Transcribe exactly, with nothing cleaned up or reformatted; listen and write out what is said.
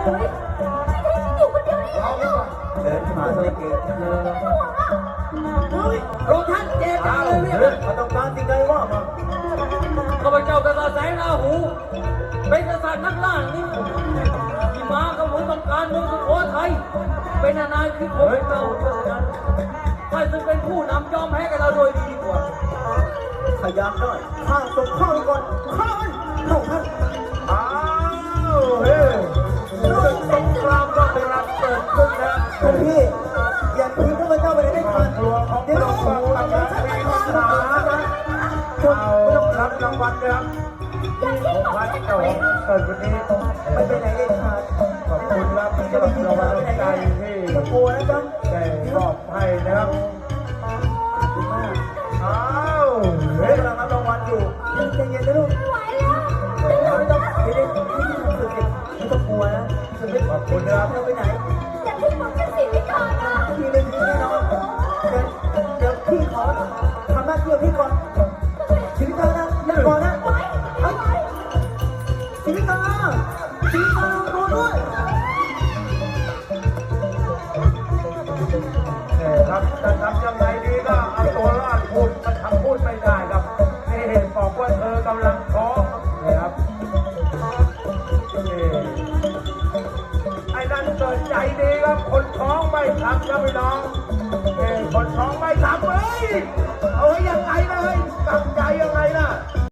อยู่คนเดียวนี่เดินมาเลยเก่งเฮ้ยโรงท่านเจ็บจังเลยเนี่ยมาต้องการสิ่งใดว่ามาข้าพเจ้ากษัตริย์แสงราหูเป็นกษัตริย์นักล่านี่ที่มากับผมต้องการเมืองสุโขทัยเป็นนานๆคือผมเราเท่านั้นใครจึงเป็นผู้นำยอมแพ้กับเราโดยดีกว่าขยันได้ข้าส่งข้าวก่อนข้าเข้าท่านอ้าวเฮ้ยศึกสงครามก็กำลังเกิดขึ้นนะคุณพี่อย่าทิ้งข้าพเจ้าไปได้ทันตัวของเราฟังกำลังมีปัญหานะเอารับรางวัลนะครับผมพัดเจ้าของเกิดวันนี้ไม่ไปไหนเองครับขอบคุณครับสำหรับรางวัลน้ำใจที่ได้มอบให้นะครับอ้าวเฮ้ยกำลังรับรางวัลอยู่ใจเย็นนะลูกไม่ไหวแล้วไม่ต้องไม่ได้ไม่ได้รู้สึกไม่ต้องกลัวนะฉันไม่ขอบคุณนะครับเราไปไหนอย่าทิ้งผมเป็นสิ่งที่ก่อนนะพี่ไม่ทิ้งแน่นอนเดี๋ยวเดี๋ยวพี่ขอทำหน้าที่พี่ก่อนชีวิตเธอนะอย่าก่อนนะชีวิตเธอชีวิตเธอรอด้วยเนี่ยครับจะทำยังไงดีก็เอาตัวรอดพูดมันทำพูดไม่ได้ครับนี่บอกว่าเธอกำลังท้องเนี่ยครับนี่ไอ้นั่นเกิดใจดีครับคนท้องไม่ทำครับพี่น้องนี่คนท้องไม่ทำเฮ้ยเอาไว้ยังไงเลยตั้งใจยังไงนะ